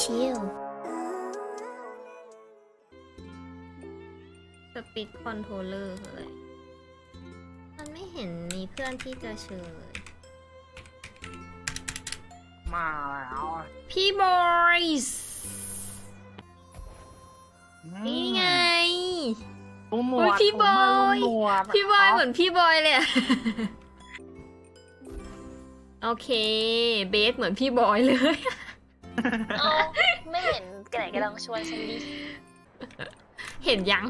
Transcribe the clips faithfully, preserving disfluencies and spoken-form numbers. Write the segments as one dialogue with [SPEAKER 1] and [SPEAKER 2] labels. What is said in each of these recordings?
[SPEAKER 1] ชิลสปีดคอนโทรลเลอร์คืออะไรมันไม่เห็นมีเพื่อนที่จะเชิญเลย
[SPEAKER 2] มาแล้ว
[SPEAKER 1] พี่บอยส์นี่ไง
[SPEAKER 2] ตุ้มหน
[SPEAKER 1] โอ้
[SPEAKER 2] วย ด
[SPEAKER 1] พี่บอย
[SPEAKER 2] ตุ้มหนวด
[SPEAKER 1] พี่บอยเหมือนพี่บอยเลยอะ โอเค เบสเหมือนพี่บอยเลย
[SPEAKER 3] เอาไม่เห็นแกไหนกำลังชวนฉันดิ
[SPEAKER 1] เห็นยัง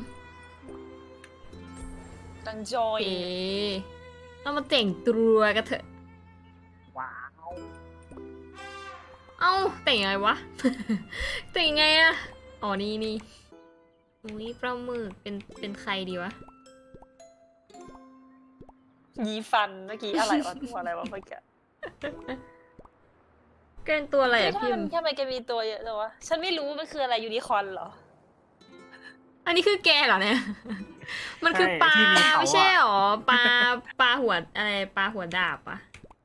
[SPEAKER 3] กำลังจอ
[SPEAKER 1] โอย เคเรามาแต่งตัวกันเถอะ
[SPEAKER 2] ว้าว
[SPEAKER 1] เอ้าแต่งยังไงวะ แต่งยังไงอะอ๋อนี่นี่อุ้ยปลาหมึกเป็นเป็นใครดีวะ
[SPEAKER 3] ยีฟันเมื่อกี้อะไรวะตัวอะไรวะเมื่อกี้
[SPEAKER 1] เกินตัวอะไรอะ
[SPEAKER 3] ทำ
[SPEAKER 1] พี่
[SPEAKER 3] ไมทำไมแกมีตัวเยอะจังวะฉันไม่รู้มันคืออะไรยูนิคอร์นเหรอ
[SPEAKER 1] อันนี้คือแกเหรอเนี่ย มันคือปลา
[SPEAKER 2] ที่เขา
[SPEAKER 1] ไม่ใช่
[SPEAKER 2] อะ
[SPEAKER 1] หรอปลาปลาหัวอะไรปลาหัวดาบปะ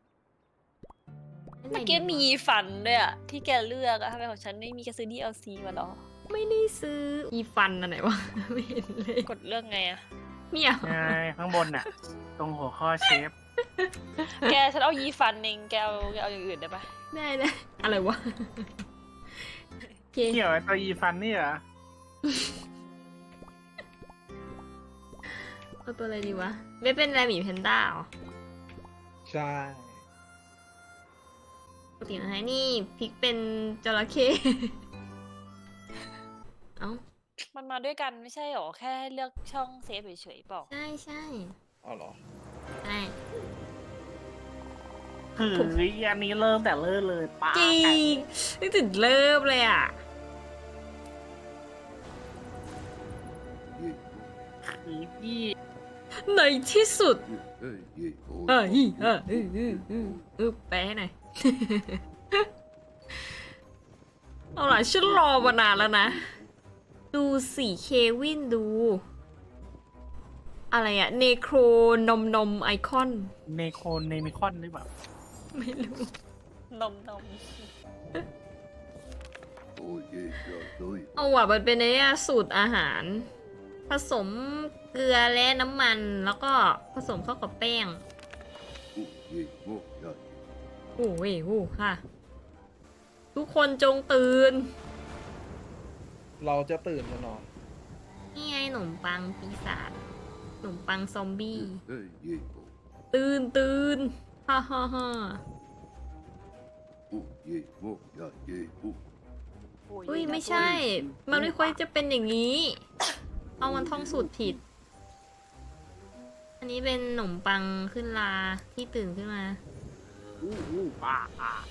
[SPEAKER 3] เมื่อกี้มียีฟันด้วยอะที่แกเลือกอะทำไมของฉันไม่มีแกซื้อ ดี แอล ซี มาเหรอ
[SPEAKER 1] ไม่ได้ซื้ออีฟันอันไหนวะ ไม่เห็นเลย
[SPEAKER 3] กดเลือกไงอะ
[SPEAKER 1] เนี่ย
[SPEAKER 2] ไงข้างบนน่ะ ตรงหัวข้อเชฟ
[SPEAKER 3] แกฉันเอายีฟันเองแกเอาแกเอาอย่างอื่นได้ปะ
[SPEAKER 1] ได้เลยอะไรวะโอเค
[SPEAKER 2] เกี่ยวไอ้ตัวอีฟันนี่เหรอ
[SPEAKER 1] เอาตัวอะไรดีวะไม่เป็นอะไรหมีแพนด้าเหรอ
[SPEAKER 4] ใช่
[SPEAKER 1] ปกตินะฮะนี่พริกเป็นจระเข้ เอ้า
[SPEAKER 3] มันมาด้วยกันไม่ใช่หรอแค่เลือกช่องเซฟเฉยๆเปล่า
[SPEAKER 1] ใช่ใช่
[SPEAKER 4] อ๋อเหรอ
[SPEAKER 1] ใช่
[SPEAKER 2] คืออันนี้เริ่มแต่เริ่มเลยป้า
[SPEAKER 1] จริงนึกถึงเริ่มเลยอ่ะ
[SPEAKER 2] คือพี่
[SPEAKER 1] ในที่สุด
[SPEAKER 5] เอ้ยเอ้ยโอ้ย
[SPEAKER 1] เอออีเออเออเออเออเออแปลให้หน่อย เอาล่ะฉันรอมานานแล้วนะ ดูสิเควินดู อะไรอะเนโครนมนมไอคอน
[SPEAKER 2] เนโคเนมิคอนหรือเปล่า
[SPEAKER 1] ไม่รู้
[SPEAKER 3] นมนม
[SPEAKER 5] โอ้ยเอ้ยเอ้ยโอ้ย
[SPEAKER 1] เอาว่ะมันเป็นไอ้เนี่ยสูตรอาหาร ผสมเกลือและน้ำมันแล้วก็ผสมเข้ากับแป้ง
[SPEAKER 5] โอ้ยเอ้ยโอ้ยเอ้ย
[SPEAKER 1] โอ้เว้ยโอ้ค่ะ ทุกคนจงตื่น
[SPEAKER 4] เราจะตื่นกันนอน
[SPEAKER 1] นี่ไงขนมปังปีศาจขนมปังซอมบี้
[SPEAKER 5] เอ้ยเอ้ยโอ้ย
[SPEAKER 1] ตื่นตื่นฮ่าฮ่าฮ่า
[SPEAKER 5] โอ้ยเอ้ยโอ้ยเอ้ยเอ้ยโอ้ย
[SPEAKER 1] อุ้ยไม่ใช่ มันไม่ควรจะเป็นอย่างนี้ เอามันท่องสูตรผิด อันนี้เป็นขนมปังขึ้นลาที่ตื่นขึ้นมา
[SPEAKER 2] อู้อู้ป้าป้า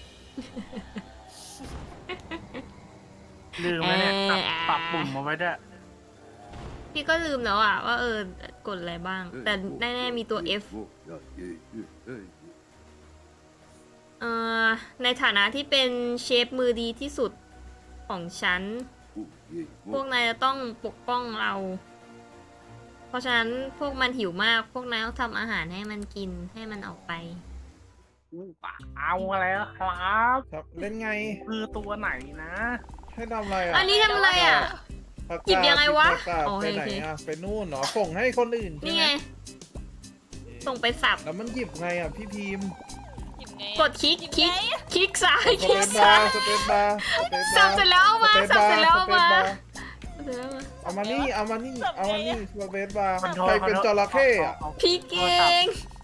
[SPEAKER 2] ลืมแล้วเนี่ยปรับปรับปุ่มมาไว้ด้วย
[SPEAKER 1] พี่ก็ลืมแล้วอะว่าเออกดอะไรบ้าง แต่แน่ๆมีตัว F
[SPEAKER 5] โอ้ยเอ้ยเอ้ยเอ้ยเอ้ย
[SPEAKER 1] เอ่อในฐานะที่เป็นเชฟมือดีที่สุดของฉัน
[SPEAKER 5] โอ้ยเอ้ย
[SPEAKER 1] พวกนายจะต้องปกป้องเรา เพราะฉะนั้นพวกมันหิวมาก พวกนายต้องทำอาหารให้มันกินให้มันออกไป
[SPEAKER 2] อู้ป้าเอาแล้วครับ
[SPEAKER 4] ครับ เล่นไง
[SPEAKER 2] คือตัวไหนนะ
[SPEAKER 4] ให้ทำอะไรอ่ะ
[SPEAKER 1] อันนี้ทำอะไรอ่ะ
[SPEAKER 4] ประกาศ
[SPEAKER 1] หยิบยังไงวะ
[SPEAKER 4] ประกาศ
[SPEAKER 1] อ๋อ
[SPEAKER 4] ไปไหน
[SPEAKER 1] โอเค
[SPEAKER 4] อ่ะ ไปนู่นเหรอ ส่งให้คนอื่นใช่
[SPEAKER 1] นี่
[SPEAKER 4] ไหม
[SPEAKER 1] ไง ส่งไปสับ
[SPEAKER 4] แล้วมันหยิบไงอ่ะพี่พิมพ์
[SPEAKER 3] หยิบไงอะ
[SPEAKER 1] กดคลิก
[SPEAKER 3] หยิบ
[SPEAKER 1] คลิก
[SPEAKER 3] ไงอะ
[SPEAKER 1] คลิกซ้าย
[SPEAKER 4] ส
[SPEAKER 1] คลิ
[SPEAKER 4] เป
[SPEAKER 1] ก
[SPEAKER 4] ซบา
[SPEAKER 1] ซ้าย
[SPEAKER 4] ร์สเปซบาร์สเปซบาร์
[SPEAKER 1] สับเสร็จแล้วเอามา
[SPEAKER 4] สปซ
[SPEAKER 1] สับเสร็จแล้วเอามา
[SPEAKER 4] สปซบร์
[SPEAKER 1] เดี๋ยวนะ
[SPEAKER 4] เอามานี่ เอามานี่ เอามานี่สเปซบาร์
[SPEAKER 2] คอนโทร
[SPEAKER 4] ใคร
[SPEAKER 2] ล
[SPEAKER 4] เป็นจระเข้อะ
[SPEAKER 1] พี่เก่ง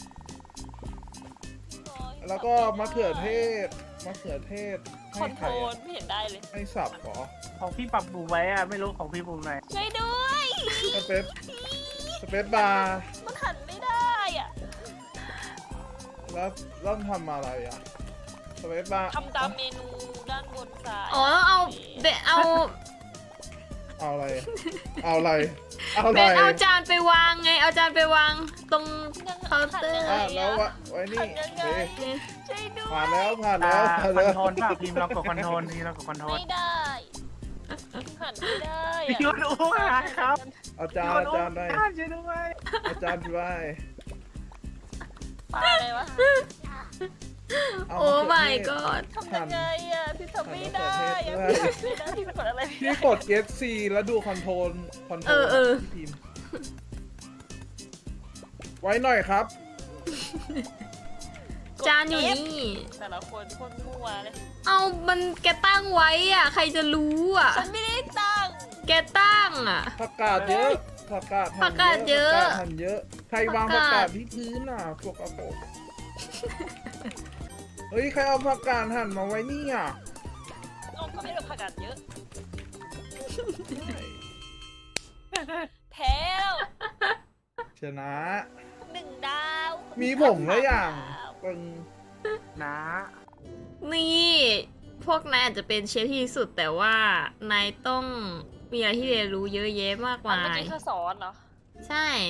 [SPEAKER 4] แล้วก็มะเขือเทศ มะเขือเทศ
[SPEAKER 3] ค
[SPEAKER 4] ให้
[SPEAKER 3] อนโท
[SPEAKER 4] ใคร
[SPEAKER 3] รล
[SPEAKER 4] อะ
[SPEAKER 3] ไม่เห็นได้เลย
[SPEAKER 4] ให้สับเหรอ
[SPEAKER 2] ของพี่ปรับปุ่มไว้อะไม่รู้ของพี่ปุ่มไหน
[SPEAKER 3] ช่วยด้วย
[SPEAKER 4] สเปซสเปซบาร์
[SPEAKER 3] มันหันไม่ได้อ่ะ
[SPEAKER 4] แล้วแล้วทำอะไรอ่ะสเปซบาร์
[SPEAKER 3] ทำตามเมนูด้านบนซ้าย
[SPEAKER 1] อ๋อเอาเบนเอา
[SPEAKER 4] เอาอะไร เอาอะไร เอาอะ
[SPEAKER 1] เบ
[SPEAKER 4] ไร
[SPEAKER 1] นเอาจานไปวางไง เอาจานไปวางตรงเคาน์เตอร์
[SPEAKER 4] อ่ะแล้ววะไว้นี่
[SPEAKER 3] หันยังไง
[SPEAKER 4] เอ๊ะ
[SPEAKER 3] ช่วยด้วย
[SPEAKER 4] ผ่านแล้วผ่าน
[SPEAKER 2] อ่า
[SPEAKER 4] แล้วผ่าน
[SPEAKER 2] คอน
[SPEAKER 4] แล้ว
[SPEAKER 2] โทรลป่ะพิมพ์เรากดคอนโทรลทีเรากดคอนโทรล
[SPEAKER 3] ไม่ได้หันไม่ได้
[SPEAKER 2] พี่
[SPEAKER 3] อะ
[SPEAKER 2] ยุทธอู้ครับ
[SPEAKER 4] อาจารย์อาจารย์ได้
[SPEAKER 2] อาจารย์ช่วยด้วย
[SPEAKER 4] อาจารย์ได้
[SPEAKER 3] ปลาอะไรวะ
[SPEAKER 4] เอา
[SPEAKER 1] โอ้
[SPEAKER 4] มะ
[SPEAKER 1] my
[SPEAKER 4] เขือเทศ
[SPEAKER 1] god
[SPEAKER 3] ทำยังไงอ่ะพี่ทำไม่ได้
[SPEAKER 4] หั่
[SPEAKER 3] อะ
[SPEAKER 4] นมะเขือเทศ
[SPEAKER 3] พี่ทำไม่ได้พี่กดอะไรไม่
[SPEAKER 4] พี่
[SPEAKER 3] ได้
[SPEAKER 4] กด F C แล้วดูคอนโทรลคอนโทร
[SPEAKER 1] เอ
[SPEAKER 4] ล
[SPEAKER 1] อเออ
[SPEAKER 4] พี่พิมพ์ไว้หน่อยครับ
[SPEAKER 1] จานอยู่นี่
[SPEAKER 3] แต่ละคนโคนมั่วเลย
[SPEAKER 1] เอามันแกตั้งไว้อ่ะ ใครจะรู้อ่ะ
[SPEAKER 3] ฉันไม่ได้ตั้ง
[SPEAKER 1] แกตั้งอ่ะ
[SPEAKER 4] ผักกาดเยอะผักกาดหั่น
[SPEAKER 1] ผักกาดเยอะ
[SPEAKER 4] ผักกาดหั่นเยอะ ใครวาง
[SPEAKER 1] ผั
[SPEAKER 4] ผั
[SPEAKER 1] ก
[SPEAKER 4] ก
[SPEAKER 1] กาด
[SPEAKER 4] กาดที่พื้นอ่ะพวกกระโปงเฮ้ย ใครเอาผักกาดหั่นมาไว้นี่อ่ะ
[SPEAKER 3] เอาก็ไม่ได้ผักกาดเยอะ แพ้แล้ว
[SPEAKER 4] ชนะ
[SPEAKER 3] หนึ่งดาว
[SPEAKER 4] มีผงแล้วอย่าง
[SPEAKER 3] ดาว
[SPEAKER 4] ปึง
[SPEAKER 2] นะ
[SPEAKER 1] นี่ พวกนายอาจจะเป็นเชฟที่ดีสุดแต่ว่านายต้องมีอะไรที่เรียนรู้เยอะแยะมาก
[SPEAKER 3] อัน
[SPEAKER 1] มา
[SPEAKER 3] เมื่อย กี้เธอสอนเหรอ
[SPEAKER 1] ใช่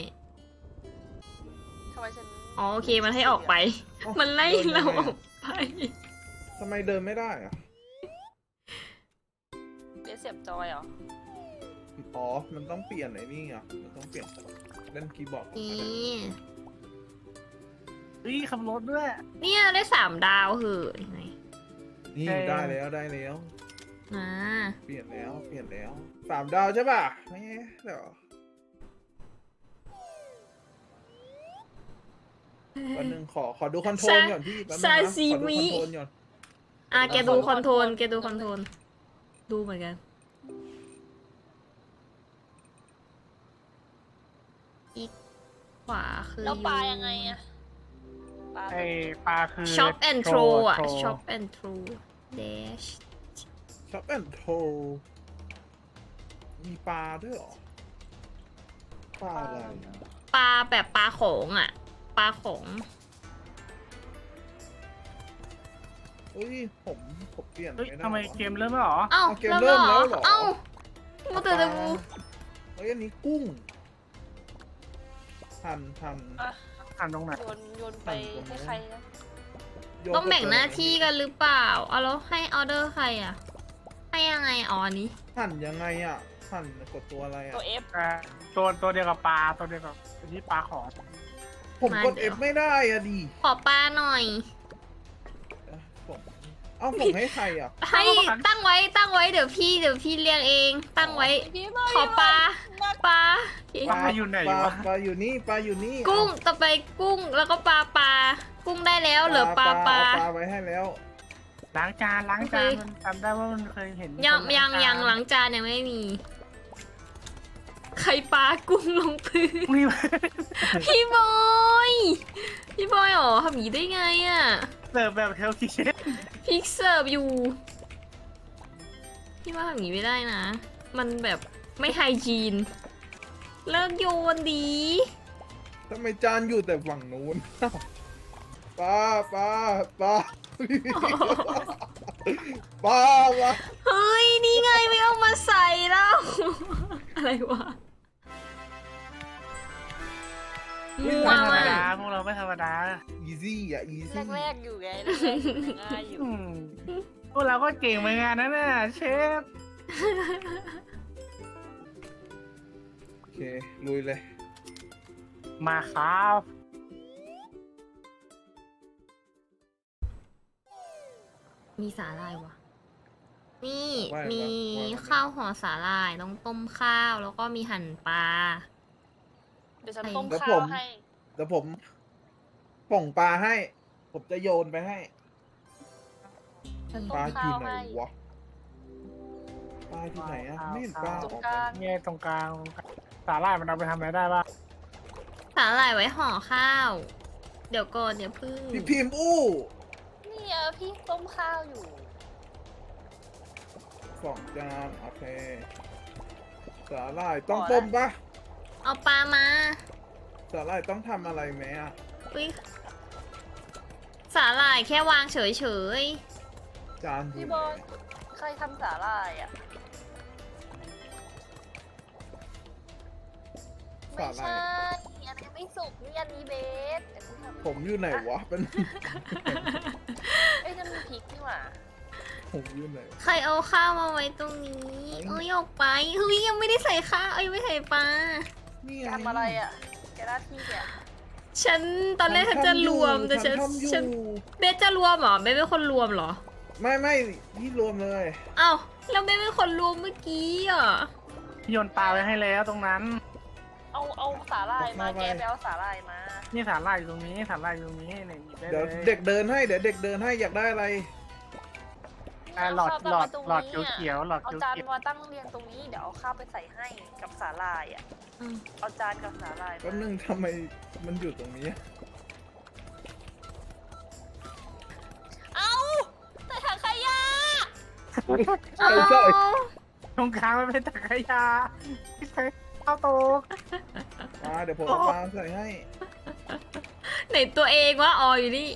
[SPEAKER 3] ทำไมฉัน
[SPEAKER 1] อ๋อโอเคมันให้ออกไป
[SPEAKER 4] เอ้า
[SPEAKER 1] มันไล่
[SPEAKER 4] ดิน
[SPEAKER 1] เรา
[SPEAKER 4] ยังไง
[SPEAKER 1] อ
[SPEAKER 4] อะ
[SPEAKER 1] อกไป
[SPEAKER 4] ทำไมเดินไม่ได้อ่ะ
[SPEAKER 3] เบสเสียบจอยเหรอ
[SPEAKER 4] อ๋อ มันต้องเปลี่ยนไอ้นี่อ่ะ มันต้องเปลี่ยนเล่นคีย์บอร์ด
[SPEAKER 1] นี่
[SPEAKER 2] เฮ้ยขับรถด้วย
[SPEAKER 1] เนี่ยได้สามดาวเหอะยังไง
[SPEAKER 4] นี่
[SPEAKER 2] เออ
[SPEAKER 4] ได้แล้วได้แล้ว
[SPEAKER 1] นะ
[SPEAKER 4] เปลี่ยนแล้วเปลี่ยนแล้วสามดาวใช่ป่ะไม่เดี๋ยววันหนึ่งขอขอดูคอนโทรลก่อนพี่แป๊บนึงนะขอดูคอนโทรลก่อน
[SPEAKER 1] อ่ะแกดูคอนโทรลแกดูคอนโทรลดูเหมือนกัน อีกขวาคือ
[SPEAKER 3] แล้วปลายังไงอะปลา
[SPEAKER 2] ไอปลาคือ
[SPEAKER 1] ช็อปแอนด์โทรอ่ะ
[SPEAKER 2] โทร
[SPEAKER 1] ช็อปแอนด์โทรเดช
[SPEAKER 4] ช็อปแอนโทรมีปลาด้วยเหรอปลาอะไรอะ
[SPEAKER 1] ปลาแบบปลาโขงอ่ะ ปลาโขง
[SPEAKER 4] เฮ้ยผมผมเปลี่ยน
[SPEAKER 2] เฮ้ย
[SPEAKER 4] ไม่ได้
[SPEAKER 2] ทำไม
[SPEAKER 4] วะ
[SPEAKER 2] เกมเริ่มแล้วเหรอ
[SPEAKER 1] เอ้า
[SPEAKER 4] เอาเกมเริ่มแล้วเหรอ
[SPEAKER 1] เอ้ามาเตอร์
[SPEAKER 4] ป
[SPEAKER 1] ตะ
[SPEAKER 4] ลา
[SPEAKER 1] กู
[SPEAKER 4] เฮ้ยอันนี้กุ้งหั่นหั่น
[SPEAKER 3] อ่ะ
[SPEAKER 2] อ่านตรงไหน
[SPEAKER 3] โยนโยนไปให้ใครนะ
[SPEAKER 4] โยน
[SPEAKER 1] ต้องแบ่งหน้า
[SPEAKER 4] ไป
[SPEAKER 1] ที่กันหรือเปล่า เอาแล้วให้ออเดอร์ใครอ่ะ ให้ยังไงอ๋ออันนี้
[SPEAKER 4] หั่นยังไงอ่ะหั่นกดตัวอะไรอ่ะ
[SPEAKER 3] ตัว F
[SPEAKER 2] อ่าตัวตัวเดียวกับปลาตัวเดียวกับที่ปลาของ
[SPEAKER 4] ผมกด
[SPEAKER 1] มาเดี๋ยว
[SPEAKER 4] F ไม่ได้อ่ะดิ
[SPEAKER 1] ขอปลาหน่อย
[SPEAKER 4] เอ้ยผมเอาผมให้ใครอ่ะ
[SPEAKER 1] ให้ตั้งไว้ตั้งไว้เดี๋ยวพี่เดี๋ยวพี่เลี้ยงเอง ตั้งไว้
[SPEAKER 3] พี่บอย
[SPEAKER 1] ขอปลา ปลา
[SPEAKER 2] ปลาอยู่ไหน
[SPEAKER 4] ปลาว
[SPEAKER 2] ะ
[SPEAKER 4] ปลาอยู่นี่ปลาอยู่นี่
[SPEAKER 1] กุ้งต่อไปกุ้งแล้วก็ปลาปลา กุ้งได้แล้วเหลือปลาปลา
[SPEAKER 4] เอปลาไว้ให้แล้ว
[SPEAKER 2] ล้างจานล้างจาน
[SPEAKER 1] โอเค
[SPEAKER 2] มันจำได้ว่ามันเคยเห็น
[SPEAKER 1] ยัง
[SPEAKER 2] คน
[SPEAKER 1] ยัง
[SPEAKER 2] จาน
[SPEAKER 1] ยังหลังจานยังไม่มี ใครปลากุ้งลงพื้น
[SPEAKER 2] นี่
[SPEAKER 1] พี่บอย พี่บอยเหรอทำอย่างนี้ได้ไงอ่ะ
[SPEAKER 2] เสิร์ฟแบบเทลคิเชน
[SPEAKER 1] พี่เสิร์ฟอยู่ พี่ว่าทำอย่างนี้ไม่ได้นะ มันแบบไม่ไฮจีน เลิกโยนดี
[SPEAKER 4] ทำไมจานอยู่แต่ฝั่งนู้น ปลาปลาปลาปลาปลา
[SPEAKER 1] เฮ้ย นี่ไงไม่เอามาใส่แล้ว อะไรวะมัว
[SPEAKER 2] ไม่ธรรม
[SPEAKER 1] มาก
[SPEAKER 2] ดาพวกเราไม่ธรรมดา
[SPEAKER 4] อีซี่อ่ะอีซี่
[SPEAKER 3] แรกๆอยู่ไงแรกๆง่ายอยู่
[SPEAKER 2] อืมพวกเราก็เก่งเหมือนกันนะเนี่ยเชฟ
[SPEAKER 4] โอเคลุยเลย
[SPEAKER 2] มาครับ
[SPEAKER 1] มีสาหร่ายวะนี่
[SPEAKER 4] ว่า
[SPEAKER 1] มี
[SPEAKER 4] ว่าว่า
[SPEAKER 1] ข้าวห่อสาหร่ายต้องต้มข้าว แล้วก็มีหั่นปลา
[SPEAKER 3] เดี๋ยวฉันต้ม
[SPEAKER 4] แล้ว
[SPEAKER 3] ข้า
[SPEAKER 4] ผ
[SPEAKER 3] ว
[SPEAKER 4] ม
[SPEAKER 3] ให้
[SPEAKER 4] เดี๋ยวผมป่องปลาให้ ผมจะโยนไปให้
[SPEAKER 3] ฉัน
[SPEAKER 4] ป
[SPEAKER 3] ต้
[SPEAKER 4] ลาม อ
[SPEAKER 3] ข้า
[SPEAKER 4] ยู่
[SPEAKER 3] ว
[SPEAKER 4] ไหน
[SPEAKER 3] ให้
[SPEAKER 4] วะปลาที่ไหนอ่ะไม่เห็นปลา
[SPEAKER 3] ตรง
[SPEAKER 4] ออก
[SPEAKER 3] ก
[SPEAKER 4] ไป
[SPEAKER 3] ลาง
[SPEAKER 2] เนี่ยตรงกลางสาหร่ายมันเอาไปทำอะไรได้บ้าง
[SPEAKER 1] สาหร่ายไว้ห่อข้าว เดี๋ยวก่อนเดี๋ยวพึ่ง
[SPEAKER 4] พี่พิมพ์อู้
[SPEAKER 3] นี่เออพี่ต้มข้าวอยู่
[SPEAKER 4] สองจานโอเคสาหร่ายต้องต้มปะ
[SPEAKER 1] เอาปลามา
[SPEAKER 4] สาหร่ายต้องทำอะไรไหมอ่ะ
[SPEAKER 1] อุ๊ยสาหร่ายแค่วางเฉย
[SPEAKER 4] จานอยู่
[SPEAKER 3] พี่
[SPEAKER 4] ไห
[SPEAKER 3] บ
[SPEAKER 4] น
[SPEAKER 3] อยใครทำสาหร่ายอ่ะ ไม่
[SPEAKER 4] สาหร่า
[SPEAKER 3] ใช่
[SPEAKER 4] ย
[SPEAKER 3] อันนี้ไม่สุกนี่อันนี้เบสเดี๋ยวพี่ทำ
[SPEAKER 4] ผมอยู่ไหนวะเป็น
[SPEAKER 3] เอ้ยนั่นมันพริกนี่หว่า
[SPEAKER 4] ผมอยู่ไหน
[SPEAKER 1] ๆ ใครเอาข้าวมาไว้ตรงนี้ เอ้ยออกไปเฮ้ยยังไม่ได้ใส่ข้าวเอ้ยยังไม่ใส่ปลา
[SPEAKER 4] นี่
[SPEAKER 3] แกทำอะไรอ่ะ แกหน้าที่แก
[SPEAKER 1] ฉันตอนแรกฉันจะรวมแต่ฉัน
[SPEAKER 4] ทำอยู่
[SPEAKER 1] ฉันเบสจะรวมเหรอเบสเป็นคนรวมเหรอ
[SPEAKER 4] ไม่ไม่พี่รวมเลย
[SPEAKER 1] เอ้าแล้วเบสเป็นคนรวมเมื่อกี้อ่ะ
[SPEAKER 2] พี่โยนปลาไว้ให้แล้วตรงนั้น
[SPEAKER 3] เอาเอาสาหร่ายมาแกไปเอาสาหร่ายมา
[SPEAKER 2] นี่ฐานลายอยู่ตรงนี้ฐานลายอยู่ตรงนี้เนี่ยหยิบได้
[SPEAKER 4] เดี๋ยว
[SPEAKER 2] เลย
[SPEAKER 4] เด็กเดินให้เดี๋ยวเด็กเดินให้อยากได้อะไร
[SPEAKER 2] อ่าหลอด
[SPEAKER 3] เา
[SPEAKER 2] หลอด
[SPEAKER 3] ข้าว
[SPEAKER 2] หลอด
[SPEAKER 3] ตรงนี้ะ
[SPEAKER 2] เขียวๆหลอด
[SPEAKER 3] เอา
[SPEAKER 2] เขียว
[SPEAKER 3] จาน
[SPEAKER 2] เขียว
[SPEAKER 3] มาตั้งเรียงตรงนี้เดี๋ยวเอาข้าวไปใส่ให้กับสาหร่ายอ่ะ
[SPEAKER 1] อืม
[SPEAKER 3] เอาจานกับสาหร่ายมา
[SPEAKER 4] แป๊บนึงทำไมมันอยู่ตรงนี้
[SPEAKER 3] เอาแต่ถังขยะ
[SPEAKER 4] ใช่ใช่
[SPEAKER 2] ตรงกลางมันเป็นตะกยาพี่ใช้ข้าวโตก
[SPEAKER 4] มาเดี๋ยวผมเอาปลาใส่ให้
[SPEAKER 1] ไหนตัวเองวะอออยู่นี่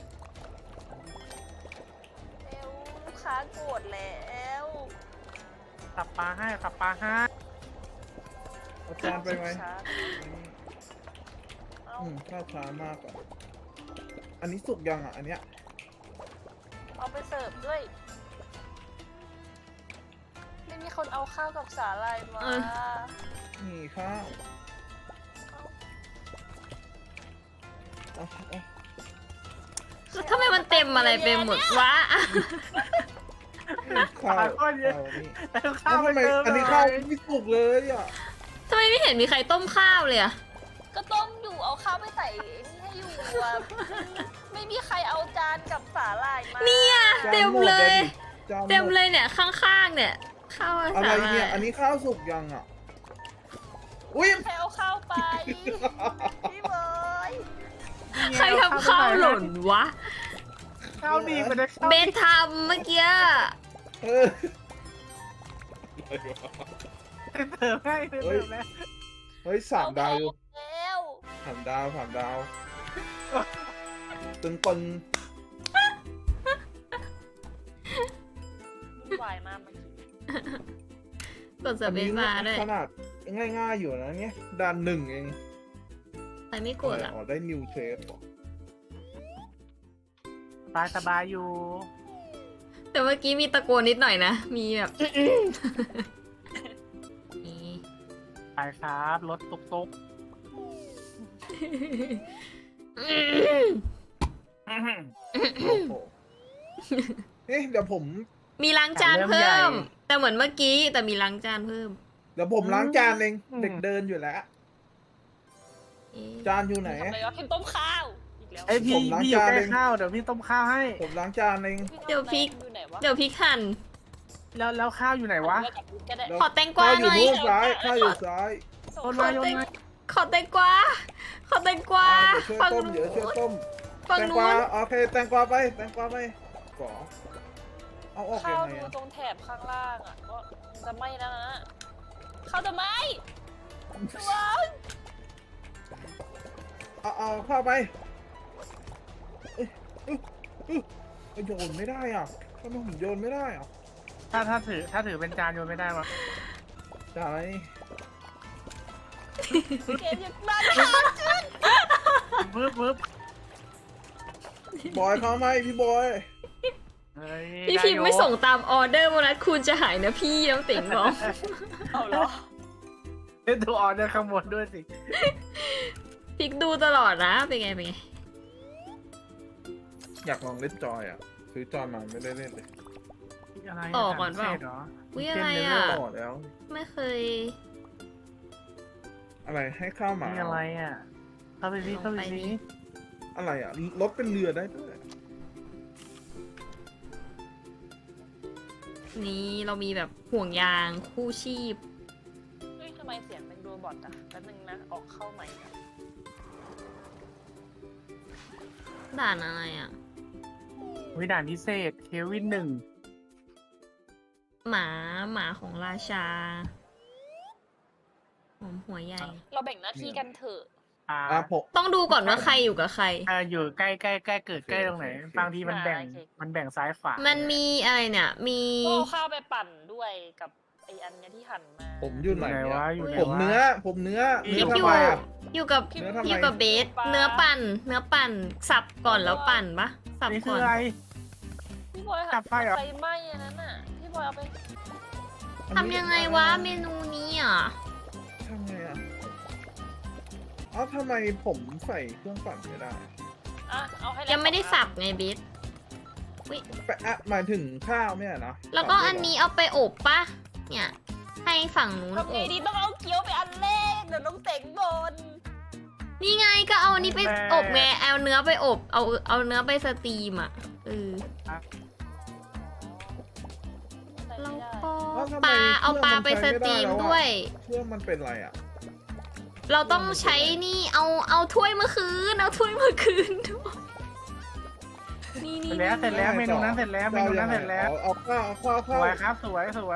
[SPEAKER 3] เร็วลูกค้าโกรธแล้ว
[SPEAKER 2] สับปลาให้สับปลาให้
[SPEAKER 4] เอาจานไปไหม
[SPEAKER 3] ช้าเอา
[SPEAKER 4] อืมข้าวช้ามากอ่ะอันนี้สุกยังอ่ะอันเนี้ย
[SPEAKER 3] เอาไปเสิร์ฟด้วย ไม่มีคนเอาข้าวกับสาหร่ายมา
[SPEAKER 1] เออ
[SPEAKER 4] นี่ข้าวเอาเอา
[SPEAKER 1] แล้วทำไมมันเต็มอะไรไปหมดวะ
[SPEAKER 4] ข้าว
[SPEAKER 2] ปลาก้อนเยอะ
[SPEAKER 4] เอานี่
[SPEAKER 2] แล้วข้า
[SPEAKER 4] แล้ว ว
[SPEAKER 2] ไป
[SPEAKER 4] ทำไม
[SPEAKER 2] เติม
[SPEAKER 4] อันนี้
[SPEAKER 2] ห
[SPEAKER 4] ข้าว
[SPEAKER 2] น่อย
[SPEAKER 4] ไม่สุกเลยอ่ะ
[SPEAKER 1] ทำไมไม่เห็นมีใครต้มข้าวเลยอะ
[SPEAKER 3] ก็ต้มอยู่เอาข้าวไปใส่นี่ให้อยู่อะไม่มีใครเอาจานกับสาหร่ายมา
[SPEAKER 1] เนี่ย
[SPEAKER 4] จาน
[SPEAKER 1] เต็ม
[SPEAKER 4] หด
[SPEAKER 1] เลย
[SPEAKER 4] จานหด
[SPEAKER 1] เต็มเลยเนี่ยข้างๆเนี่ยข้าว
[SPEAKER 4] อะไร
[SPEAKER 1] สาหร่า
[SPEAKER 4] เนี่ย อันนี้ข้าวสุกยังอ่ะ อุ้ย
[SPEAKER 3] ใครเอาข้าวไป พี่เบย
[SPEAKER 1] ใครทำข้าวหล่นวะ
[SPEAKER 2] ข้าวดีไปเลยข้าว
[SPEAKER 1] เบ
[SPEAKER 2] ดี
[SPEAKER 1] สทำเมื่อกี้
[SPEAKER 4] เออ
[SPEAKER 2] เติมให้เติมแล้ว
[SPEAKER 4] เฮ้ยสามดาวอยู่
[SPEAKER 3] แล้ว
[SPEAKER 4] สามดาวสามดาวตึงปึง
[SPEAKER 3] วุ่นวายมากเมื่อกี้
[SPEAKER 1] กดสเปซบาร์ด้วย
[SPEAKER 4] ขนาดง่ายๆอยู่นะเนี่ยด่านหนึ่งเอง
[SPEAKER 1] ใครไม่กดอ่ะ
[SPEAKER 4] อ๋อได้นิวเทส
[SPEAKER 2] สบายสบายอยู่
[SPEAKER 1] แต่เมื่อกี้มีตะโกนนิดหน่อยนะ มีแบบ นี่
[SPEAKER 2] ไปครับรถตุกตุก
[SPEAKER 4] โอ้โหเอ๊ะเดี๋ยวผม
[SPEAKER 1] มีล้างจานเพิ่ม แต่เหมือนเมื่อกี้แต่มีล้างจานเพิ่ม
[SPEAKER 4] เดี๋ยวผมล้างจานเองเด็กเดินอยู่แล้ว
[SPEAKER 1] เอ๊ะ
[SPEAKER 4] จานอยู่ไหน
[SPEAKER 3] ทำไมวะพิมพ์ต้มข้าวอีกแล้ว
[SPEAKER 2] ไอยพี่
[SPEAKER 4] ผมล้าง
[SPEAKER 2] พี่อยู่
[SPEAKER 4] จาน
[SPEAKER 2] ใกล้
[SPEAKER 4] เอง
[SPEAKER 2] ข้าวเดี๋ยวพี่ต้มข้าวให้
[SPEAKER 4] ผมล้างจานเอง
[SPEAKER 1] เดี๋ยวพริก
[SPEAKER 3] อยู่ไหนวะ
[SPEAKER 1] เดี๋ยวพริกหั่น
[SPEAKER 2] แล้วแล้วข้าวอยู่ไหนวะ
[SPEAKER 3] เอากับพริกก็ได้
[SPEAKER 4] แล้ว
[SPEAKER 1] ขอแตงกวา
[SPEAKER 4] ข้าวอ
[SPEAKER 1] ห
[SPEAKER 4] ยู่
[SPEAKER 1] น่อย
[SPEAKER 4] นู่นซ้ายข้าวอยู่ซ้าย
[SPEAKER 3] ส่ง
[SPEAKER 2] โอน
[SPEAKER 3] ข้
[SPEAKER 2] มาว โยน
[SPEAKER 3] ไป
[SPEAKER 2] มา
[SPEAKER 1] ขอแตงกวา ขอแตงกวา
[SPEAKER 4] อ่าเดี๋ยวช่วย
[SPEAKER 1] ฝั่ง
[SPEAKER 4] ต้ม
[SPEAKER 1] นู้
[SPEAKER 4] เดี๋ยวน ช่วยต้ม
[SPEAKER 1] ฝั่ง
[SPEAKER 4] แตง
[SPEAKER 1] นู้
[SPEAKER 4] กวาน โอเคแตงกวาไปแตงกวาไปก่อเอาออกยั
[SPEAKER 3] ข้าว
[SPEAKER 4] งไง
[SPEAKER 3] ดู
[SPEAKER 4] อะ
[SPEAKER 3] ตรงแถบข้างล่างอ่ะว่ามันจะไหม้แล้วนะข้าวจะไหม้ว้าว
[SPEAKER 4] เอาเอาเข้าไปเอ้ยเอ้ยเอ้ยเอ้ยโยนไม่ได้อ่ะทำไมผมโยนไม่ได้อ่ะ
[SPEAKER 2] ถ้าถ้าถือถ้าถือเป็นจานโยนไม่ได้วะ
[SPEAKER 4] จานอะไร
[SPEAKER 3] เกมยังมาข้าวขึ้น
[SPEAKER 2] ปึ๊บปึ๊บบ
[SPEAKER 4] อยเข้าไหมพี่บอย
[SPEAKER 2] เฮ้ย
[SPEAKER 1] พี่พิมพ์ไม่ส่งตามออเดอร์วันนั้นคุณจะหายนะพี่น้องติ๋งบอก
[SPEAKER 3] เอาเหรอ
[SPEAKER 2] เดี๋ยวดูออเดอร์ข้างบนด้วยสิ
[SPEAKER 1] พลิกดูตลอดนะ เป็นไง เป็นไง
[SPEAKER 4] อยากลองเล่นจอยอ่ะซื้อจอยมาไม่ได้เล่นเลย
[SPEAKER 2] อะไร
[SPEAKER 1] ต่อก่อนเปล่า
[SPEAKER 2] พิศษหรอ
[SPEAKER 1] อุ๊ยอะไร
[SPEAKER 2] เต้น
[SPEAKER 1] อ่ะ
[SPEAKER 2] เลเวล
[SPEAKER 4] ต่อแล้ว
[SPEAKER 1] ไม่เคย
[SPEAKER 4] อะไรให้ข้าวหมา
[SPEAKER 2] นี่อะไรอ่ะเข้าไปสิเข้าไป
[SPEAKER 1] ลงไป
[SPEAKER 2] สิ
[SPEAKER 1] นี่
[SPEAKER 4] อะไรอ่ะรถเป็นเรือได้ด้วย
[SPEAKER 1] นี่เรามีแบบห่วงยางคู่ชีพ
[SPEAKER 3] เฮ้ยทำไมเสียงเป็นโรบอทอ่ะแป๊บนึงนะ ออกเข้าใหม่นะ
[SPEAKER 1] ด่านอะไรอ่ะ
[SPEAKER 2] วิด่านพิเศษเควินหนึ่ง
[SPEAKER 1] หมาหมาของราชาหอมหัวใหญ่
[SPEAKER 3] เราแบ่งหน้าที่กันเถอะ
[SPEAKER 2] อ่า
[SPEAKER 4] อ่ะผม
[SPEAKER 1] ต้องดูก่อนว่าใครอยู่กับใคร
[SPEAKER 2] อ่าอยู่ใกล้ใกล้ใกล้เกิดใกล้ตรงไหน
[SPEAKER 4] โอเค
[SPEAKER 2] บางทีมันแบ่งมันแบ่งซ้ายขวา
[SPEAKER 1] มันมีอะไรเนี่ย มี
[SPEAKER 3] ก็เอาข้าวไปปั่นด้วยกับไออันเนี้ยที่หั่นมา
[SPEAKER 4] ผมอยู่ไหน
[SPEAKER 2] ไหน
[SPEAKER 4] เนี่
[SPEAKER 2] วะ
[SPEAKER 4] ย
[SPEAKER 2] อยู่ไหน
[SPEAKER 4] ผม
[SPEAKER 2] วะ
[SPEAKER 4] เนื้อ ผมเนื้อ
[SPEAKER 2] พี่
[SPEAKER 4] เนื้อ
[SPEAKER 1] อ
[SPEAKER 4] ทำ
[SPEAKER 1] ยู่
[SPEAKER 4] ไมอ่ะ
[SPEAKER 1] อยู่กับ
[SPEAKER 4] เนื้อทำไม
[SPEAKER 1] อยู่กับเบส เนื้อปั่น เนื้อปั่น สับก่อนแล้วปั่นปะสับ
[SPEAKER 2] นี่คื
[SPEAKER 1] ก่
[SPEAKER 2] อ
[SPEAKER 1] อน
[SPEAKER 2] อะไร
[SPEAKER 3] พี่บอย
[SPEAKER 2] จั
[SPEAKER 3] หั่
[SPEAKER 2] บไฟเหรอ
[SPEAKER 3] ไฟไหม้อันนั้นอ่ะ พี่บอยเอาไป
[SPEAKER 1] ทำยังไงวะเมนูนี้อ่ะ
[SPEAKER 4] ทำไงอ่ะ เอ้าอ้าวทำไมผมใส่เครื่องปั่นไม่ได้
[SPEAKER 3] อ่ะเอาให้แล้ว
[SPEAKER 1] ยังไม่ได้สับไงเบส
[SPEAKER 4] แปะอ่ะหมายถึงข้าวเนี่ยนะ
[SPEAKER 1] แล้วก็อันนี้เอาไปอบปะเนี่ย ให้ฝั่งนู้น
[SPEAKER 3] ทำ
[SPEAKER 1] อ
[SPEAKER 3] ไง
[SPEAKER 1] บ
[SPEAKER 3] ดีต้องเอาเกี๊ยวไปอันแรกเดี๋ยวน้องเต็งบน
[SPEAKER 1] นี่ไงก็เอาอันนี้ไปอบไงเอาเนื้อไปอบ เอาเอาเนื้อไปสตรีมอ่ะเออแล้วก็ปลาเอาปลาไปสตรีมด้วย
[SPEAKER 4] เครื่องมันเป็นอะไรอ่ะ
[SPEAKER 1] เราต้องใช้นี่เอาเอาถ้วยเมื่อคืน เอาถ้วยเมื่อคืนด้วยนี่
[SPEAKER 2] เส
[SPEAKER 1] นี่
[SPEAKER 2] ร็จแล้วเสร็จแล้วเมนูนั้นเสร็จแล้วเมนูนั้นเสร็จแล้ว
[SPEAKER 4] เอาข้าวเอาข้าว
[SPEAKER 2] ส
[SPEAKER 4] ข้าว
[SPEAKER 2] วยครับสวยสวย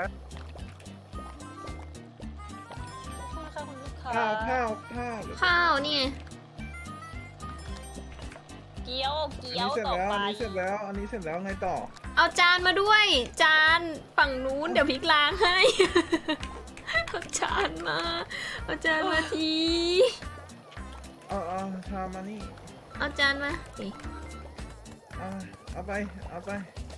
[SPEAKER 3] คุณค่ะคุณลูกค้า
[SPEAKER 4] ข้าวข้าวข้าว
[SPEAKER 1] ข้าวนี่ไง
[SPEAKER 3] เกี๊ยว
[SPEAKER 4] อัน
[SPEAKER 3] เกี๊ยว
[SPEAKER 4] นี้เสร็จ
[SPEAKER 3] ต่อ
[SPEAKER 4] แล้ว
[SPEAKER 3] ไป
[SPEAKER 4] อันนี้เสร็จแล้วอันนี้เสร็จแล้วไงต่อ
[SPEAKER 1] เอาจานมาด้วย จานฝั่งนู้นเดี๋ยวพลิกล้างให้ เอาจานมาเอาจานมาที
[SPEAKER 4] เอาเอาทามานี่
[SPEAKER 1] เอาจานมานี่
[SPEAKER 4] เอาเอาไปเอาไป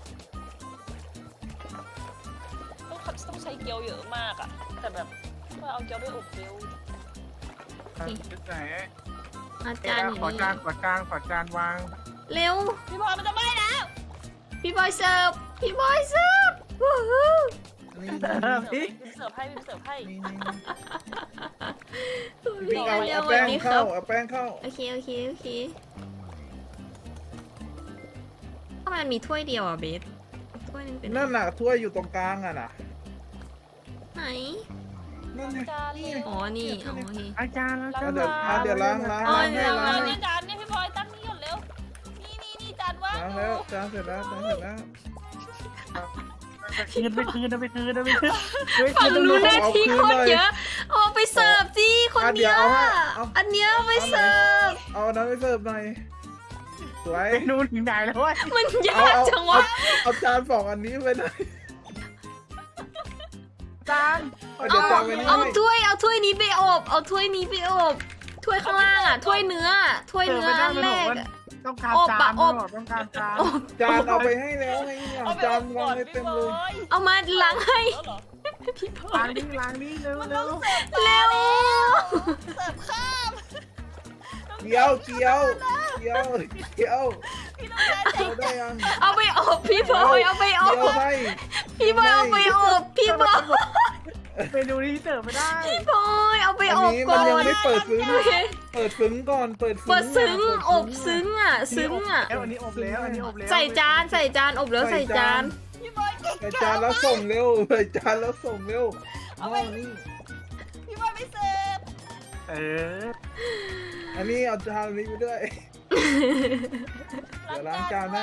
[SPEAKER 3] ต้องขับต้องใช้เกี๊ยวเยอะมากอะแต่แบบว่าเอาเกี๊ยวด้วยอบเร็ว
[SPEAKER 2] จุดไหน
[SPEAKER 1] เอาจานอยู่
[SPEAKER 2] ขอจาน
[SPEAKER 1] นี่
[SPEAKER 2] ขอจานขอจานวาง
[SPEAKER 1] เร็ว
[SPEAKER 3] พี่บอลมันจะไหม้แล้ว
[SPEAKER 1] พี่บอยเสิร์ฟพี่บอยเสิร์ฟวู้ฮู้
[SPEAKER 4] นี่
[SPEAKER 2] เออพี่
[SPEAKER 3] พิมเสิร์ฟให้พิมเสิร์ฟให้
[SPEAKER 4] นี่นี่
[SPEAKER 1] พี่
[SPEAKER 4] เอา
[SPEAKER 1] เร็ว
[SPEAKER 4] เอา
[SPEAKER 1] ๆวั
[SPEAKER 4] แป้
[SPEAKER 1] น
[SPEAKER 4] ง
[SPEAKER 1] นี้ค
[SPEAKER 4] เข้า
[SPEAKER 1] รับ
[SPEAKER 4] เอาแป้งเข้า
[SPEAKER 1] โอเคโอเคโอเคทำไมมันมีถ้วยเดียวอ่ะเบสถ้วยนึงเป็น
[SPEAKER 4] นั่นน่ะถ้วยอยู่ตรงกลางอ่ะน่ะ
[SPEAKER 1] ไหน
[SPEAKER 4] นั่นไง
[SPEAKER 3] จาน
[SPEAKER 4] นี่
[SPEAKER 3] เลย
[SPEAKER 4] ไง
[SPEAKER 1] อ๋อนี่อ๋อโอเค
[SPEAKER 2] อาจารย์อาจารย์
[SPEAKER 4] เดี๋ยวอ่ะเดี๋ยวล้างล้าง
[SPEAKER 1] อ๋อ
[SPEAKER 4] ล้างให้
[SPEAKER 1] ล้าง
[SPEAKER 4] ล้าง
[SPEAKER 3] จาน
[SPEAKER 4] ให้
[SPEAKER 3] เนี่ยจานเนี่ยพี่บอยตั้งนี่ก่อนเร็ว นี่นี่นี่จานว่าง
[SPEAKER 4] ล้าง
[SPEAKER 3] อ
[SPEAKER 4] แล้ว
[SPEAKER 3] ยู่
[SPEAKER 4] จานเสร็จแล้วจานเสร็จแล้ว
[SPEAKER 2] คืนไปคืนไปคืนไปคืน
[SPEAKER 1] ฝั่งนู้นหน้าที่โคตรเยอะเอาไปเสิร์ฟสิคน
[SPEAKER 4] อ่ะเดี๋
[SPEAKER 1] เนี้
[SPEAKER 4] ย
[SPEAKER 1] ยว
[SPEAKER 4] เอาให้เอา
[SPEAKER 1] อันเนี้ยเอาไปเสิร์ฟ
[SPEAKER 4] เอาน้ำไปเสิร์ฟหน่อยสวย
[SPEAKER 2] เมนูถึงไหนแล้วเว้ย
[SPEAKER 1] มันยา
[SPEAKER 4] เอา
[SPEAKER 1] ก
[SPEAKER 4] เอา
[SPEAKER 1] จัง
[SPEAKER 4] เอา
[SPEAKER 1] วะ
[SPEAKER 4] เอาจานสองอันนี้ไปหน่อย
[SPEAKER 2] จาน
[SPEAKER 4] เอา
[SPEAKER 1] เอา
[SPEAKER 4] เดี๋ยวจานไปนี่
[SPEAKER 1] เอา
[SPEAKER 4] ให้
[SPEAKER 1] ถ้วยเอาถ้วยนี้ไปอบเอาถ้วยนี้ไปอบถ้วยข้างล่างอ่ะถ้วยเนื้อถ้วยเนื้ออันแรกอะ
[SPEAKER 2] ต้องการ
[SPEAKER 1] อบ
[SPEAKER 2] จา
[SPEAKER 1] อะ
[SPEAKER 2] น
[SPEAKER 1] อบ
[SPEAKER 2] ต้องการจาน
[SPEAKER 1] อบ
[SPEAKER 4] จานเอาไปให้แล้วไงเนี่ย
[SPEAKER 3] เอาไป
[SPEAKER 4] จา
[SPEAKER 3] อน บ
[SPEAKER 4] วา
[SPEAKER 3] ก่
[SPEAKER 4] ง
[SPEAKER 3] อน
[SPEAKER 4] ไว้
[SPEAKER 3] พี่
[SPEAKER 4] เต็ม
[SPEAKER 3] บ
[SPEAKER 4] เล
[SPEAKER 3] อย ย
[SPEAKER 1] เอามาล้างให้
[SPEAKER 3] แล้วเหรอ
[SPEAKER 1] พี่พลอ
[SPEAKER 2] ล้าย งนี้ล้างนี้เร็ว
[SPEAKER 3] มัน
[SPEAKER 2] เร็
[SPEAKER 3] ต้
[SPEAKER 2] ว
[SPEAKER 3] องเสิร์ฟ
[SPEAKER 1] เร็ว
[SPEAKER 3] เสิร์ฟข้าม
[SPEAKER 4] เกี๊ยวเกี๊ยวเกี๊ยวเกี๊ยว
[SPEAKER 3] พี่ต้องการ
[SPEAKER 4] เกี๊ยวได้ยัง
[SPEAKER 1] เอาไปอบพี่บอยเอาไปอ
[SPEAKER 4] เกี๊ยว
[SPEAKER 1] บ
[SPEAKER 4] ให้
[SPEAKER 1] พี่บอยเอาไปอบพี่บอย
[SPEAKER 2] เมนูนี้เสิร์ฟไม่ได้
[SPEAKER 1] พี่บอยเอาไป
[SPEAKER 4] อัน
[SPEAKER 1] อบ
[SPEAKER 4] นี้
[SPEAKER 1] ก่
[SPEAKER 4] มั
[SPEAKER 1] อน น
[SPEAKER 4] ยังไม่เปิดซึ้ง
[SPEAKER 1] โอเค
[SPEAKER 4] เปิดซึ้งก่อนเปิด
[SPEAKER 1] เปิดซึ้ง
[SPEAKER 4] ะ
[SPEAKER 1] อบซึ้งอ่ะซึ้งอ่ะ
[SPEAKER 2] แล้วอันนี้อบแล้วอันนี้อบแล้ว
[SPEAKER 1] ใส่จานใส่จานอบแล้วใส่จาน
[SPEAKER 3] พี่บอยเก่ง
[SPEAKER 4] ใส่จานแล้วส่งเร็วใส่จานแล้วส่งเร็ว
[SPEAKER 3] เอา
[SPEAKER 4] ห
[SPEAKER 3] ไป
[SPEAKER 4] ม้อนี่
[SPEAKER 3] พี่บอยไม่เสิร์ฟ
[SPEAKER 2] เออ
[SPEAKER 4] อันนี้เอาจานนี้ไปด้วย เดี๋ยวล้างจานให้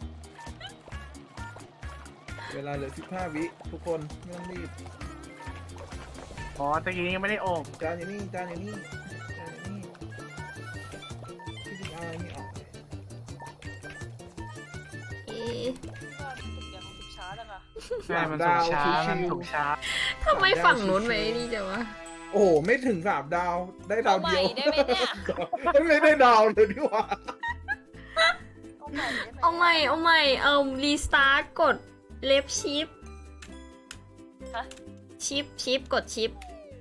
[SPEAKER 4] เวลาเหลือสิบห้าวิทุกคนไม่ต้องรีบ
[SPEAKER 2] อ๋อตะกี้ยังไม่ได้อบ
[SPEAKER 4] จานอย่างนี้จานอย่างนี้จานอย่างนี้พี่ดิเอาอันนี้ออก
[SPEAKER 1] เอ๊ะ
[SPEAKER 3] ทุกอย่างของสุกช้าจังอะ
[SPEAKER 2] ใช่มันสุกช้ามันสุกช้า
[SPEAKER 1] ทำไมฝั่งนู้นไม่นี่จังวะ
[SPEAKER 4] โอ้โหไม่ถึงสามดาวได้ดา
[SPEAKER 3] เอา
[SPEAKER 4] ว
[SPEAKER 3] ให
[SPEAKER 4] เดี
[SPEAKER 3] ม่
[SPEAKER 4] ยว
[SPEAKER 3] ได้ไหมเนี่ย
[SPEAKER 4] ไม่ได้ดาวเลยดีกว่า
[SPEAKER 3] เอาใหม่ได้ไหม
[SPEAKER 1] เอาใหม่เอาใหม่เอ่อรีสตาร์ทกดเลฟชิป
[SPEAKER 3] ฮะ
[SPEAKER 1] ชิปชิปกดชิป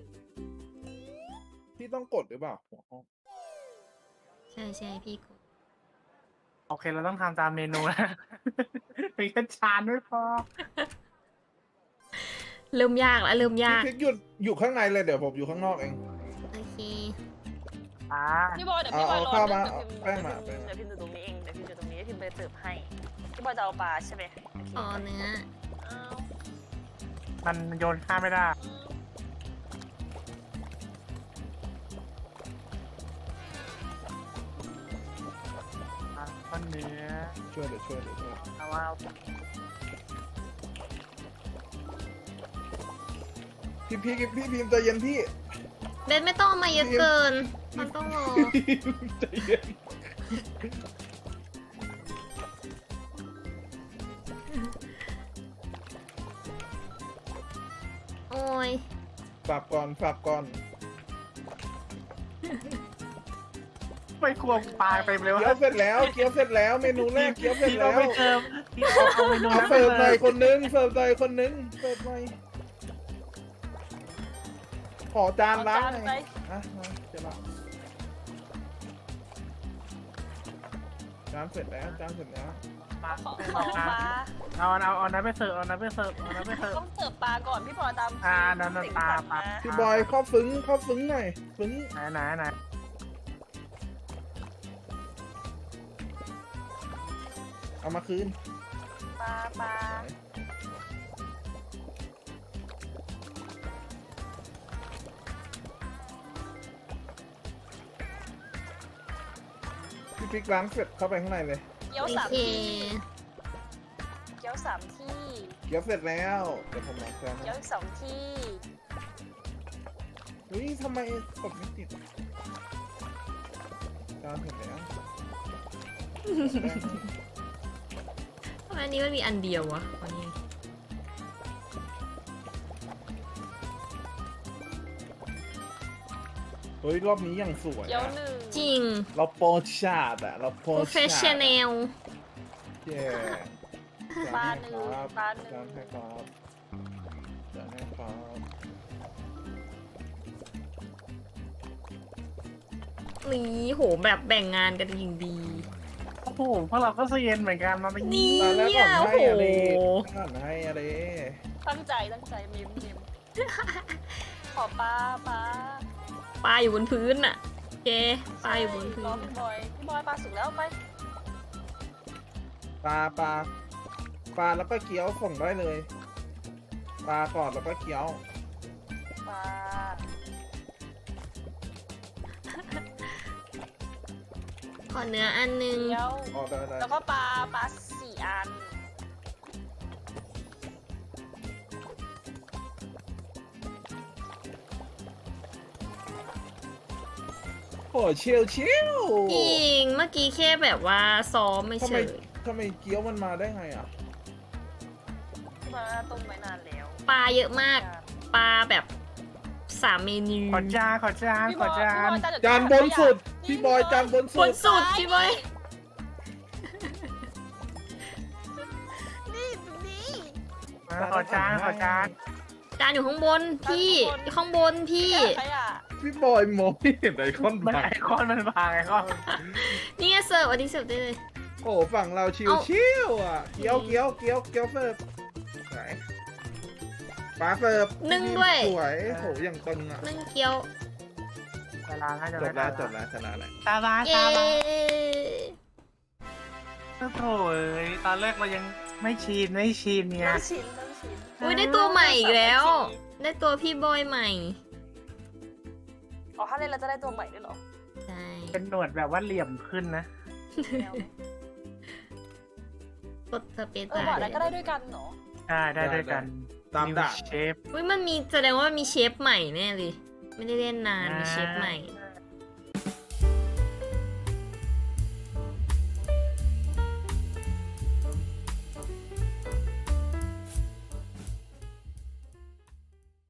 [SPEAKER 4] พี่ต้องกดหรือเปล่าหัวห้อง
[SPEAKER 1] ใช่ใช่พี่กด
[SPEAKER 2] โอเคเราต้องทำตามเมนูนะเป็นแค่จานไม่พอ
[SPEAKER 1] เริ่มยากแล้วเริ่มยาก
[SPEAKER 4] พี่พริกหยุดอยู่ข้างในเลยเดี๋ยวผมอยู่ข้างนอกเอง
[SPEAKER 1] โอเค
[SPEAKER 2] อ่า
[SPEAKER 3] พี่บอยเดี๋ยวพี่บอยรอ
[SPEAKER 4] เอาข้าวมา
[SPEAKER 3] เดี๋ยวพิมพ์
[SPEAKER 4] แป้งมาแป้งมา
[SPEAKER 3] เดี๋ยวพิมพ์อยู่ตรงนี้เองเดี๋ยวพิมพ์อยู่ตรงนี้พิมพ์ไปเสิร์ฟให้พี่บอยจะเอาปลาใช่ไหมโอเค
[SPEAKER 1] ขอเนื้อ
[SPEAKER 3] เอา
[SPEAKER 2] มันโยนข้ามไม่ได้อ่ะต้นเนื้อ
[SPEAKER 4] ช่วยเดี๋ยวช่วยเดี๋ยวช่วย
[SPEAKER 2] เอาว่า
[SPEAKER 4] พี่พี่พี่พิมพ์ใจเย็นพี่
[SPEAKER 1] เบนไม่ต้องเอามาเยอะเกิน มันต้องรอ
[SPEAKER 4] พี่พิมพ์ใจเย็น
[SPEAKER 1] โอ้ย
[SPEAKER 4] ฝากก่อนฝากก่อน
[SPEAKER 2] ไม่ควงปลาไปเลยวะ
[SPEAKER 4] เกี๊ยวเสร็จแล้วเกี๊ยวเสร็จแล้วเมนูแรกเกี๊ยวเสร็จ
[SPEAKER 2] พี่
[SPEAKER 4] แล้
[SPEAKER 2] เรา
[SPEAKER 4] ว
[SPEAKER 2] ไม่เติมพี่เอาเอาเมนู
[SPEAKER 4] เอา
[SPEAKER 2] นั้นไป
[SPEAKER 4] เสิร์ฟห
[SPEAKER 2] เล
[SPEAKER 4] น่อย
[SPEAKER 2] ย
[SPEAKER 4] คนนึงเสิร์ฟหน่อยคนนึงเสิร์ฟหน่อยขอจานล้างหน่อย
[SPEAKER 3] ไป
[SPEAKER 4] อ่ะมาจะล้างจานเสร็จแล้วจานเสร็จแล้ว
[SPEAKER 2] ปลา
[SPEAKER 3] ขอ
[SPEAKER 2] ไม่
[SPEAKER 3] ข
[SPEAKER 2] บ
[SPEAKER 3] อ
[SPEAKER 2] อก
[SPEAKER 3] ป
[SPEAKER 2] นะ
[SPEAKER 3] ลา
[SPEAKER 2] เอาเอาเอาน้ำไปเสิร์ฟเอาน้ำไปเสิร์ฟเอาน้ำไปเสิร์ฟ
[SPEAKER 3] ต้องเสิร์ฟปลาก่อนพี่พลอยตาม
[SPEAKER 2] อ่านั่นนั่น
[SPEAKER 3] สิ่ง
[SPEAKER 2] ปลา
[SPEAKER 3] สั่ง
[SPEAKER 2] ปลา
[SPEAKER 3] นะ
[SPEAKER 4] พี่บอยเข้าซึ้งเข้าซึ้งหน่อยซึ้ง
[SPEAKER 2] ไหนไหนไหน
[SPEAKER 4] เอามาคืน
[SPEAKER 3] ปลาปลา
[SPEAKER 4] พี่ปิ๊กล้างเสร็จเข้าไปข้างในเลย
[SPEAKER 3] เกี๊ยว
[SPEAKER 1] โอ
[SPEAKER 3] สาม
[SPEAKER 1] เค
[SPEAKER 3] ที่เกี๊ยวสามที่
[SPEAKER 4] เกี๊ยวเสร็จแล้วเดี๋ยวผมล้างจาน
[SPEAKER 3] เกี๊ยวอีกสองที่
[SPEAKER 4] อุ้ยทำไมกดไม่ติดจานเสร็จแล้ว
[SPEAKER 1] ทำไมอันนี้มันมีอันเดียววะวันนี้
[SPEAKER 4] เฮ้ยรอบนี้ยังสวย
[SPEAKER 3] เกี๊ยว
[SPEAKER 4] อะ
[SPEAKER 3] หนึ่ง
[SPEAKER 1] จริง
[SPEAKER 4] เราโปรชาดอะเราโปรชาด
[SPEAKER 1] professional
[SPEAKER 4] เย้
[SPEAKER 3] ปลาหนึ่งปลาหนึ่
[SPEAKER 4] จาง นให้ครับจานให้ครับ
[SPEAKER 1] นี่โหแบบแบ่งงานกันอย่างดี
[SPEAKER 2] โอ้โหพวกเราก็เซียนเหมือนกันมาเป็น
[SPEAKER 1] นี่
[SPEAKER 4] ตอนแรกก่อน
[SPEAKER 1] โอ้
[SPEAKER 4] ให้
[SPEAKER 1] โห
[SPEAKER 4] อะไรก่อนให้อะไร
[SPEAKER 3] ตั้งใจตั้งใจมิมมิมขอปลาปลา
[SPEAKER 1] ปลาอยู่บนพื้นอะโอเคปลาอยู่บนพื้
[SPEAKER 3] รอน พี่บอยพี่บอยปลาสุกแล้วไป
[SPEAKER 4] ปลาปลาปลาแล้วก็เกี๊ยวส่งได้เลย ปลาก่อนแล้วก็เกี๊ยว
[SPEAKER 3] ปลา
[SPEAKER 1] ขอเนื้ออันนึง
[SPEAKER 3] เกี๊ยว
[SPEAKER 4] อ๋อได้ได้
[SPEAKER 3] แล้วก็ปลาปลาสี่อัน
[SPEAKER 4] โอ้เชียวเชียว
[SPEAKER 1] จริงเมื่อกี้แค่แบบว่าซ้อมไม่
[SPEAKER 4] ทำ
[SPEAKER 1] เฉ
[SPEAKER 4] ไม
[SPEAKER 1] ย
[SPEAKER 4] ทำไมเกี๊ยวมันมาได้ไงอ่ะ
[SPEAKER 3] พี่บอยต้มไว้นานแล้ว
[SPEAKER 1] ปลาเยอะมาก ปลาแบบสามเมนู
[SPEAKER 2] ขอจานขอจาน
[SPEAKER 3] พี่
[SPEAKER 2] ข
[SPEAKER 3] บ
[SPEAKER 2] อ
[SPEAKER 3] อย
[SPEAKER 2] จา
[SPEAKER 3] พี่บ
[SPEAKER 2] น
[SPEAKER 3] อยจานเดี๋ยว
[SPEAKER 4] จานบนสุด พี่บอยจานบน
[SPEAKER 1] บ
[SPEAKER 4] สุ
[SPEAKER 1] น
[SPEAKER 4] ด
[SPEAKER 1] สุดพี่บอย
[SPEAKER 3] นี่นี่
[SPEAKER 2] ขอจานขอจาน
[SPEAKER 1] จานอยู่ข้างบนพี่ข้างบนพี่
[SPEAKER 3] ใครอ่ะ
[SPEAKER 4] พี่บอยมองไม่เห็นไอคอน
[SPEAKER 2] มัน
[SPEAKER 4] บัง
[SPEAKER 2] ไอคอนมันบางไอคอน
[SPEAKER 1] นี่ไงเสิร์ฟอันนี้เสิร์ฟได้เลย
[SPEAKER 4] โอ้ฝั่งเราชิว
[SPEAKER 1] เอ้า
[SPEAKER 4] ชิวอ่ะ เกี๊ยวเกี๊ยวเกี๊ยวเกี๊ยวเสิร์ฟไหนปลาเสิร์ฟ
[SPEAKER 1] นึ่งด้วย
[SPEAKER 4] สวยโหอย่างตึงอ่ะ
[SPEAKER 1] นึ่งเกี๊ยว
[SPEAKER 2] เวลาให้จะ
[SPEAKER 4] จบแล้วจบแล้วชนะแล้ว
[SPEAKER 2] ตาบา
[SPEAKER 1] เย้
[SPEAKER 2] ตาบาโอ้โหตอนแรกเรายังไม่ชินไม่ชินเนี่ย
[SPEAKER 3] น้ำชิ้นน้ำชิ้น
[SPEAKER 1] อุ้ยได้ตัวใหม่อีกแล้ว ได้ตัวพี่บอยใหม่
[SPEAKER 3] อ๋อถ้าเล่นเราจะได้ตัวใหม่ด้วยเหรอ
[SPEAKER 1] ใช่
[SPEAKER 2] เป็นหนวดแบบว่าเหลี่ยมขึ้นนะ
[SPEAKER 1] กดสเปซ
[SPEAKER 3] เออบอกแล้วก็ได้ด้วยกันเหรอ
[SPEAKER 2] ได้ได้ด้วยกัน
[SPEAKER 4] ตามด่าน
[SPEAKER 2] เชฟ
[SPEAKER 1] อุ้ยมันมีแสดงว่ามันมีเชฟใหม่แน่เลย ไม่ได้เล่นนาน มีเชฟใหม่
[SPEAKER 2] อ